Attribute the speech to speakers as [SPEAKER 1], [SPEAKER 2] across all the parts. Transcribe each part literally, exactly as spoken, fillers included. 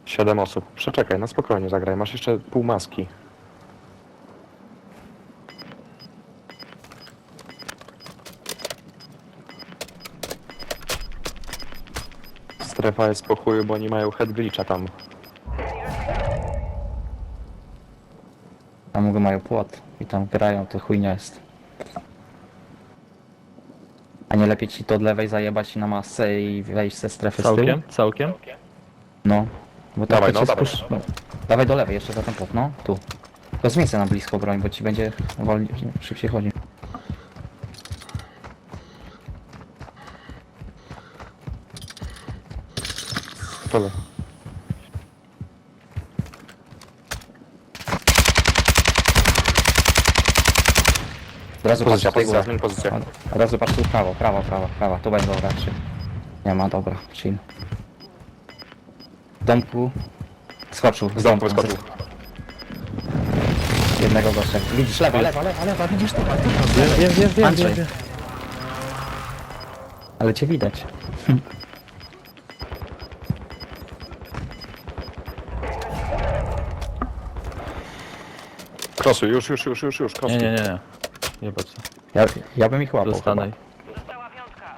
[SPEAKER 1] Siedem osób. Przeczekaj, na spokojnie zagraj. Masz jeszcze pół maski. Strefa jest po chuju, bo oni mają head glitcha tam.
[SPEAKER 2] Tam go mają płot i tam grają, to chujnia jest. A nie lepiej ci to od lewej zajebać na masę i wejść ze strefy z tyłu?
[SPEAKER 3] Całkiem? Całkiem?
[SPEAKER 2] No. Bo
[SPEAKER 1] Dawaj,
[SPEAKER 2] to
[SPEAKER 1] no,
[SPEAKER 2] cię
[SPEAKER 1] dawaj.
[SPEAKER 2] spusz... no. Dawaj do lewej, jeszcze za ten płot, no. Tu. To z miejsca na blisko broń, bo ci będzie wolniej, szybciej chodzi.
[SPEAKER 1] Tyle.
[SPEAKER 2] Od razu
[SPEAKER 1] Pozycja,
[SPEAKER 2] patrz
[SPEAKER 1] pozycja,
[SPEAKER 2] na
[SPEAKER 1] zmień pozycję.
[SPEAKER 2] Od od razu patrz tu w prawo, prawo, prawo, prawo. Tu będzie dobra, czy... Nie ma, dobra, chill. W domku... Skoczył, z
[SPEAKER 1] Z domku
[SPEAKER 2] domku.
[SPEAKER 1] wyskoczył.
[SPEAKER 2] Jednego gościa. Widzisz, lewa, lewa, lewa, lewa, widzisz to?
[SPEAKER 3] Wiem, wiem, wiem,
[SPEAKER 2] Andrzej.
[SPEAKER 3] wiem, wiem.
[SPEAKER 2] Ale cię widać.
[SPEAKER 1] Krosuj, już, już, już, już, już,
[SPEAKER 3] Nie,
[SPEAKER 1] krosuj.
[SPEAKER 3] nie, nie, nie. Jebać co.
[SPEAKER 2] Ja, ja bym ich łapał
[SPEAKER 3] Dostanej.
[SPEAKER 4] Została piątka.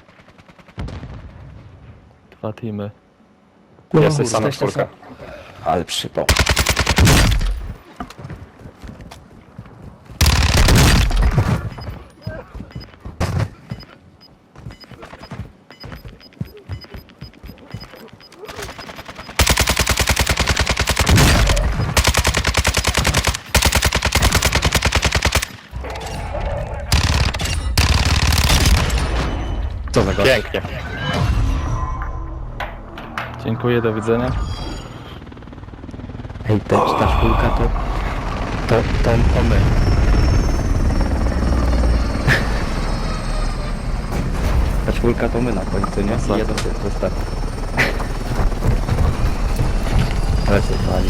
[SPEAKER 3] Dwa teamy.
[SPEAKER 2] chyba.
[SPEAKER 1] Jesteś sam na
[SPEAKER 2] Jesteście
[SPEAKER 1] czwórkę.
[SPEAKER 2] sam- Ale przypał. Co za gość?
[SPEAKER 1] Pięknie.
[SPEAKER 3] Dziękuję, do widzenia.
[SPEAKER 2] Ej, te, ta szpulka to... To, to, to my. Ta szpulka to my na końcu, nie?
[SPEAKER 3] Masakra.
[SPEAKER 2] I jeden to został. Ale się chwali.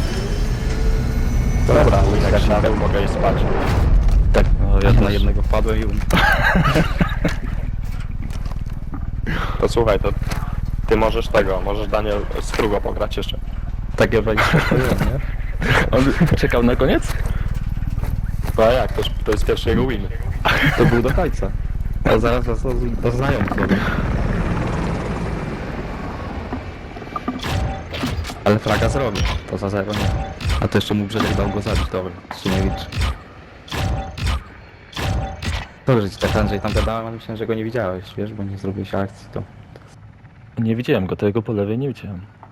[SPEAKER 1] Dobra,
[SPEAKER 2] jak
[SPEAKER 1] jak
[SPEAKER 2] się
[SPEAKER 1] się
[SPEAKER 2] dał,
[SPEAKER 1] mogę i spać.
[SPEAKER 2] Tak,
[SPEAKER 3] No, ja
[SPEAKER 2] ja na
[SPEAKER 3] też.
[SPEAKER 2] jednego wpadłem i um.
[SPEAKER 1] To słuchaj, to ty możesz tego, możesz Daniel z Krugo pograć jeszcze.
[SPEAKER 2] Takie wejście to jest, nie?
[SPEAKER 3] On czekał na koniec?
[SPEAKER 1] No a jak, to, to jest pierwszy jego win.
[SPEAKER 2] To był do końca. A zaraz do, do znajomych powiem. Ale fraga zrobił, to za zero nie. A to jeszcze mu Brzedek dał go zabić, dobra, jeszcze nie liczy. Dobrze ci tak Andrzej tam gadałem, ale myślałem, że go nie widziałeś, wiesz, bo nie zrobiłeś akcji, to...
[SPEAKER 3] Nie widziałem go, tego po lewej nie widziałem.